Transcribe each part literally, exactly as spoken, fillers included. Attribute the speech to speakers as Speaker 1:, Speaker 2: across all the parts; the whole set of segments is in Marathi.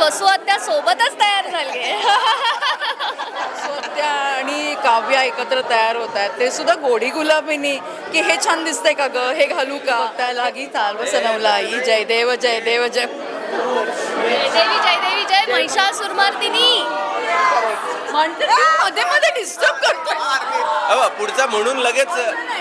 Speaker 1: वसुहत्या सोबतच तयार झाली आहे.
Speaker 2: वसुहत्या आणि काव्या एकत्र तयार होत आहेत, ते सुद्धा गोडी गुलाबीनी, की हे छान दिसतंय का ग, हे घालू का, त्या लागी चालव सनवला आई जय देव जय देव जय.
Speaker 1: जयदेवी जयदेवी जय महिषासुरमर्दिनी.
Speaker 2: म्हणते ती मध्ये मध्ये डिस्टर्ब करतो.
Speaker 3: अहो पुढचा म्हणून लगेच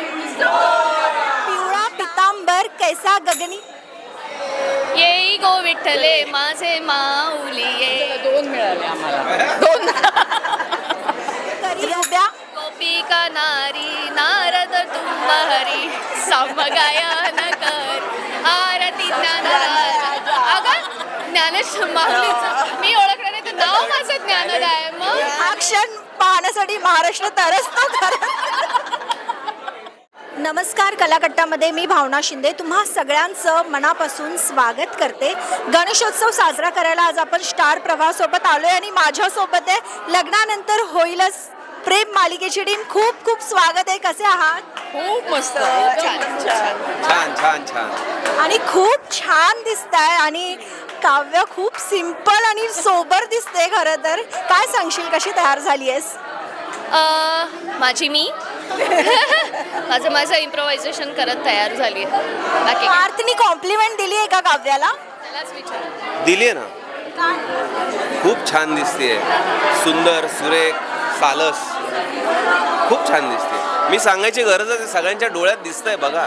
Speaker 4: पिवळा पितांबर कैसा गगनी.
Speaker 1: येई गो विठ्ठले माझे माऊली ये.
Speaker 2: दोन मिळाले आम्हाला, दोन.
Speaker 4: करी उभ्या
Speaker 1: गोपिका नारी नारद तुंब हरी समगायन कर आरती ज्ञानराज. अगं ज्ञानेश माऊलीचं मी ओळखलं नाही, तर नाव माझं ज्ञानद आहे. मग
Speaker 4: हा क्षण पाहण्यासाठी महाराष्ट्र तरसतो खरं. नमस्कार, कलाकट्टामध्ये मी भावना शिंदे तुम्हा सगळ्यांचं मनापासून स्वागत करते. गणेशोत्सव साजरा करायला आज आपण स्टार प्रवाहासोबत आलोय आणि माझ्यासोबत आहे लग्नानंतर होईलच प्रेम मालिकेची टीम. खूप खूप स्वागत आहे. कसे आहात?
Speaker 2: खूप मस्त, छान छान.
Speaker 3: छान छान छान.
Speaker 4: आणि खूप छान दिसताय. आणि काव्य खूप सिंपल आणि सोबर दिसते. खरं तर काय सांगशील, कशी तयार झाली आहेस?
Speaker 1: अं, माझी मी माझं माझं इम्प्रोव्हायझेशन करत तयार झाली आहे. बाकी काय?
Speaker 4: पार्थनी कॉम्प्लिमेंट दिली आहे का काव्याला?
Speaker 1: त्यालाच विचार.
Speaker 3: दिली ना, खूप छान दिसतेय, सुंदर सुरेख सालस, खूप छान दिसते. मी सांगायची गरजच आहे, सगळ्यांच्या डोळ्यात दिसतंय बघा.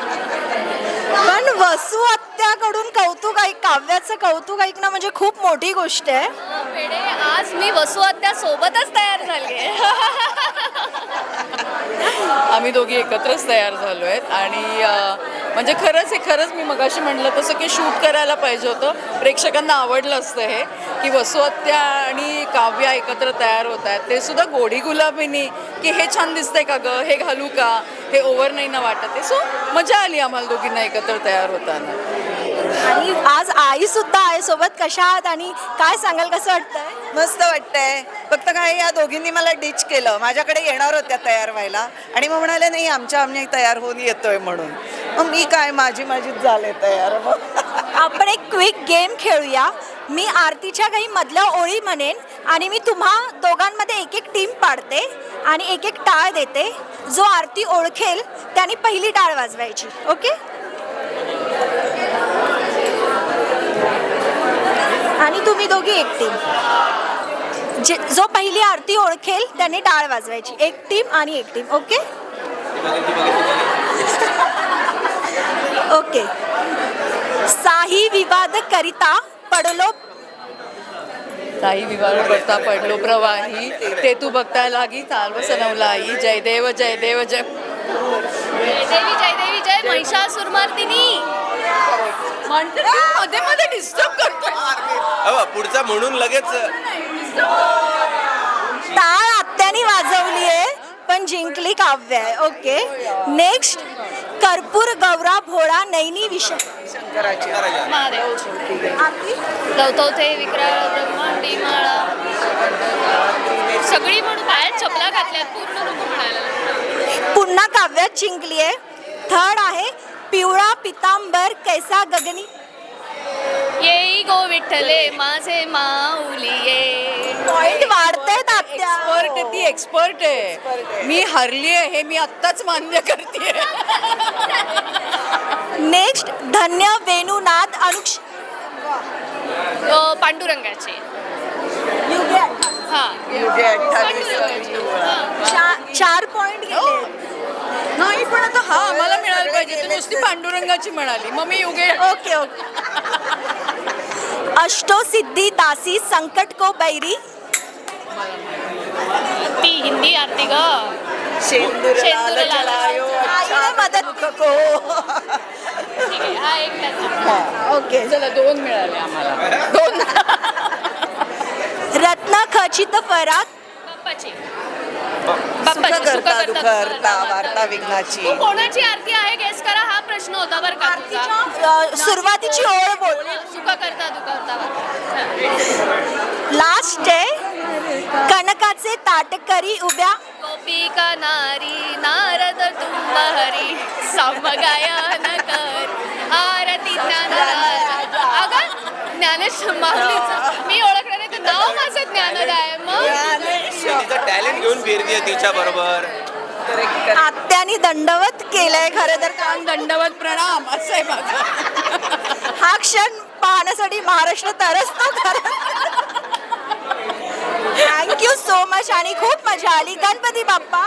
Speaker 4: पण वसू आत्याकडून कौतुक ऐक, काव्याचं कौतुक ऐकणं म्हणजे खूप मोठी गोष्ट आहे.
Speaker 1: पेढे आज मी वसुहत्या सोबतच तयार झाली आहे.
Speaker 2: आम्ही दोघी एकत्रच तयार झालो आहेत. आणि अं, म्हणजे खरंच हे खरंच मी मगाशी म्हटलं तसं की शूट करायला पाहिजे होतं. प्रेक्षकांना आवडलं असतं हे, की वसुहत्या आणि काव्या एकत्र तयार होत आहेत, ते सुद्धा गोडी गुलाबीनी, की हे छान दिसतंय का ग, हे घालू का, हे ओव्हर नाही ना वाटत आहे. सो मजा आली आम्हाला दोघींना एकत्र तयार होताना.
Speaker 4: आणि आज आई सुद्धा आहे सोबत. कशा आहात आणि काय सांगाल, कसं वाटतंय?
Speaker 5: मस्त वाटतंय. फक्त काय या दोघींनी मला डिच केलं. माझ्याकडे येणार होत्या तयार व्हायला आणि मग म्हणाले नाही आमच्या आम्ही तयार होऊन येतोय म्हणून. मग मी काय माझी माझीच झाले तयार. मग
Speaker 4: आपण एक क्विक गेम खेळूया. मी आरतीच्या काही मधल्या ओळी म्हणेन आणि मी तुम्हा दोघांमध्ये एक एक टीम पाडते आणि एक एक टाळ देते. जो आरती ओळखेल त्याने पहिली टाळ वाजवायची. ओके? आणि तुम्ही दोघी एक टीम. जे जो पहिली आरती ओळखेल त्याने टाळ वाजवायची. एक टीम आणि एक टीम. Okay okay. साही विवाद करिता पडलो.
Speaker 2: काही विवाह करता पडलो प्रवाही, ते तू बघता लागी चालव सनवला आई जय देव जय देव जय.
Speaker 1: जयदेवी जयदेवी जय महिषासुरमर्दिनी.
Speaker 2: म्हणते ती मध्ये मध्ये डिस्टर्ब करतो.
Speaker 3: अहो पुढचा म्हणून लगेच
Speaker 4: टाळ आत्यानी वाजवली आहे पण जिंकली काव्य आहे. Okay, next. कर्पूर गौरा भोळा नैनी विषय.
Speaker 1: महादेव
Speaker 4: आरती?
Speaker 1: गवतवते विक्राळ ब्रह्मांडी माळा सगळी म्हणून बाहेर चपला घातल्यात पूर्ण नको म्हणायला.
Speaker 4: पुन्हा काव्यात जिंकली आहे. थर्ड आहे पिवळा पितांबर कैसा गगनी.
Speaker 1: येई गो विठ्ठले माझे माऊली ये.
Speaker 4: पॉइंट वाढतायत आत्या.
Speaker 2: एक्सपर्ट आहे ती, एक्सपर्ट आहे. मी हरली आहे हे मी आत्ताच मान्य करते.
Speaker 4: नेक्स्ट धन्य वेणुनाद अनुक्ष.
Speaker 1: अ, पांडुरंगाचे. हा
Speaker 5: युगे अठ्ठावीस
Speaker 4: चा- चार पॉइंट गेले.
Speaker 2: नाही पण आता हा आम्हाला मिळायला पाहिजे. तू नुसती पांडुरंगाची म्हणाली, मग मी युगे.
Speaker 4: Okay okay. अष्टो सिद्धी दासी संकट को बैरी.
Speaker 1: ती हिंदी आरती ग.
Speaker 5: शेंदूर
Speaker 1: शेंदूर
Speaker 5: लाल
Speaker 1: लाल
Speaker 5: जलायो अच्छा
Speaker 4: आईने मदत
Speaker 5: दुःख को.
Speaker 1: ठीक आहे, हा एक त्याचा.
Speaker 4: ओके.
Speaker 2: चला दोन मिळाले आम्हाला, दोन.
Speaker 4: रत्न खचित फरात.
Speaker 1: बाप्पाची.
Speaker 5: सुख
Speaker 1: बाप्पाची
Speaker 5: करता दुखरता वार्ता विघ्नाची.
Speaker 1: तू कोणाची आरती आहे गेस करा. हा प्रश्न होता बरं का तुझा.
Speaker 4: अ, सुरुवातीची ओळ बोल.
Speaker 1: सुख करता दुखवता.
Speaker 4: लास्ट आहे कनकाचे ताटकरी उभ्या.
Speaker 1: गोपिका नारी नारद तुंब हरी समगायन कर आरती ज्ञानराज. अगं ज्ञान ज्ञानेश माऊलीचं मी ओळखलं नाही तर नाव माझं ज्ञानोदय आहे. मग
Speaker 3: तिचं टॅलेंट घेऊन फिरतीये तिच्या बरोबर.
Speaker 4: आत्यानी दंडवत केलंय खरं तर
Speaker 2: छान दंडवत प्रणाम असं आहे माझं.
Speaker 4: हा क्षण पाहण्यासाठी महाराष्ट्र तरसतो खरं. थँक्यू सो मच आणि खूप मजा आली. गणपती बाप्पा